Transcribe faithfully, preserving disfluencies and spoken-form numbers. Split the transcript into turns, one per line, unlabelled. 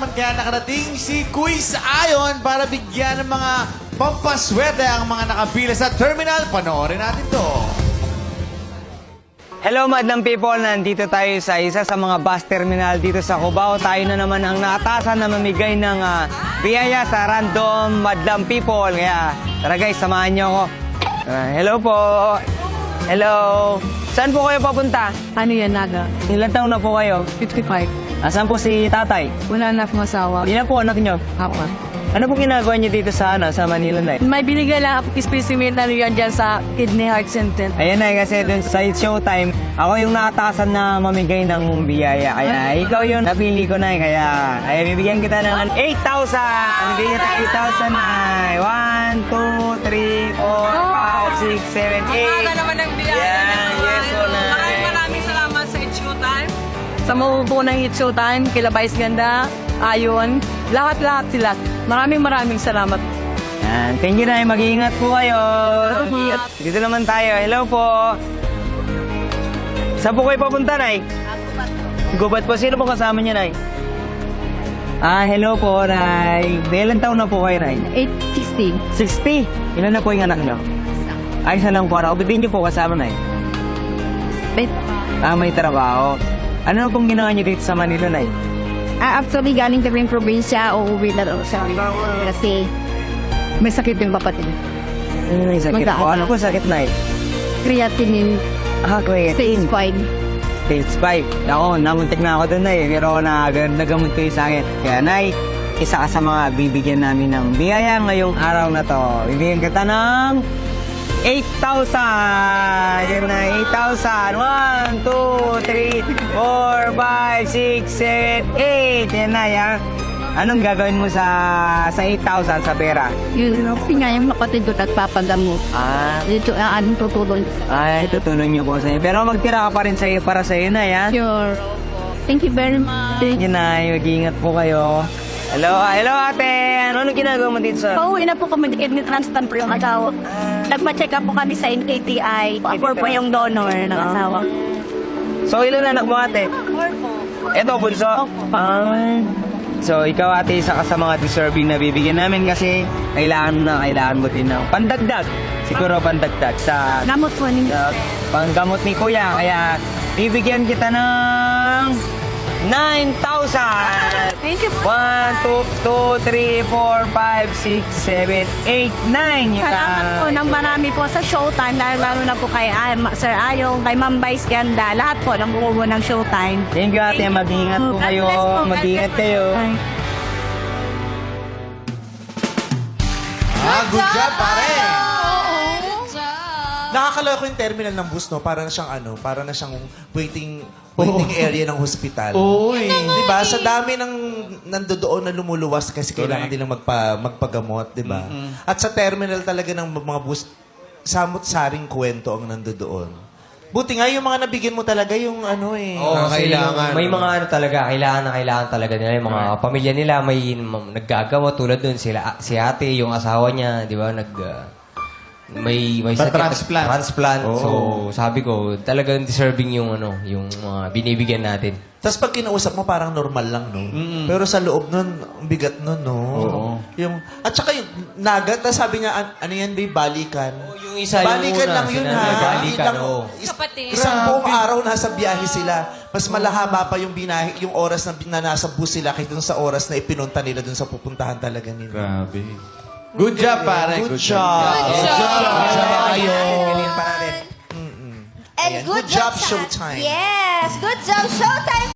naman kaya nakarating si Quiz Ayon para bigyan ng mga pampaswerte ang mga nakapila sa terminal. Panoorin natin to.
Hello madlang people, nandito tayo sa isa sa mga bus terminal dito sa Cubao. Tayo na naman ang naatasan na mamigay ng uh, biyaya sa random madlang people. Kaya tara guys, samahan niyo ako. Uh, hello po. Hello. Saan po kayo papunta?
Ano yan, Naga?
Ilan taon na po kayo?
fifty-five.
Asan po si tatay?
Wala na akong asawa.
Ilan po anak niyo?
Ako.
Ano po ginagawa niyo dito sa, ano, sa Manila na?
May binigay lang ako specimen na yan dyan sa Kidney Heart Center.
Ayan na, kasi dun sa Showtime, ako yung naatasan na mamigay ng biyaya. Kaya ikaw yung napili ko na, kaya ay bibigyan kita ng eight thousand! Bibigyan kita eight thousand ay one, two, three, four, five, six, seven, eight.
Ang naman ng biyaya.
Yan, yes, so na.
Maraming maraming salamat sa It's Showtime. Sa mabubuo ng It's Showtime, kila Vice Ganda, Ayon, lahat-lahat sila. Maraming maraming salamat.
Yan, thank you na, mag-iingat po kayo. Dito naman tayo, hello po. Saan po kayo papunta, Nay? Gubat po. Sino po kasama niya, Nay? Ah, hello po, Nay. Ilan taon na po kayo, Nay?
eight sixty.
sixty. Ilan na po yung anak niyo? Ay, isa lang po. Ako, bibigyan niyo po kasama, Nay.
Wait.
Ah, may trabaho. Ano pong ginawa niyo dito sa Manila, Nay?
Ah, actually, galing kami probinsya, uuwi na daw siya. Kasi may sakit yung kapatid.
Ano may sakit
Magdaan.
po? Ano po sakit, Nay?
Creatinine,
Ah,
stage
creatine.
five.
Stage five. Ako, namuntik na ako doon, Nay. Pero na, nagamot ko yung sakit. Kaya, Nay, isa ka sa mga bibigyan namin ng biyaya ngayong araw na to. Bibigyan kita ng eight thousand! Yan na, eight thousand. one, two, three, four, five, six, seven, eight. Yan na, yan. Anong gagawin mo sa sa eight thousand sa pera?
Yun, kasi nga yung kapatid ko nagpapagamot.
Ah,
Dito, ah, anong tutulong?
ay, tutulong niyo po sa iyo. Pero magtira ka pa rin sa iyo para sa iyo na, yan.
Sure. Thank you very much.
Thank you, Nay. Mag-iingat po kayo. Hello, hello ate. Ano ano ginagawa mo dito sa...
Pauwi na po kami, kidney transplant po yung asawa. Nagpa-check up po kami sa N K T I. Ako po yung donor ng asawa.
So, ilan anak mo ate?
Four po.
Eto, bunso? Ah. So, ikaw ate, isa ka sa mga deserving na bibigyan namin kasi kailangan na, kailangan mo din ng pandagdag. Siguro pandagdag sa...
Gamot po ninyo.
sa panggamot ni Kuya. Kaya, bibigyan kita ng nine thousand!
Thank you po.
one, two, two, three, four, five, six, seven, eight, nine.
Salamat po ng marami po sa Showtime, lalo, lalo na po kay ah, Ma- Sir Ayong, kay Ma'am Vice Ganda, lahat po ng buo ng Showtime.
Thank you ate, mag-ingat po
God
kayo.
bless po, God
Mag-ingat
bless po.
kayo.
Ay.
Ah, good job, pare! Nakakaloka ko yung terminal ng bus, no? Para na siyang ano, para na siyang waiting waiting area ng hospital.
Uy.
Di ba? Sa dami ng nandoon na lumuluwas kasi kailangan nilang magpa, magpagamot, di ba? At sa terminal talaga ng mga bus, samot-saring kwento ang nandoon. Buti nga yung mga nabigyan mo talaga yung ano eh.
Oo,
Kasi
kailangan.
May mga ano talaga, kailangan na kailangan talaga nila. Yung mga pamilya nila, may m- naggagawa tulad dun. Sila, si ate, yung asawa niya, di ba, nag... uh, may may sakit.
Pa-transplant.
Transplant.
Oo.
So, sabi ko, talagang deserving yung ano, yung mga binibigyan natin.
Tapos pag kinausap mo, parang normal lang, no? Pero sa loob nun, ang bigat nun, no?
Oo.
Yung, at saka yung nagat, tapos sabi niya, an- ano yan, babe, balikan.
Oh, yung isa, yung
balikan
una,
lang yun,
sinabi,
ha?
balikan,
Ilang-
oo.
is- Isang buong araw nasa biyahe sila. Mas malahaba pa yung binahe, yung oras na, na nasa bus sila kaysa dun sa oras na ipinunta nila dun sa pupuntahan talaga nila.
Grabe. Good job, pare.
Good job.
Good
Good job. Good job.
Galing pa natin.
And
Ayan,
good,
good job,
sa-
Showtime.
Yes, good job, Showtime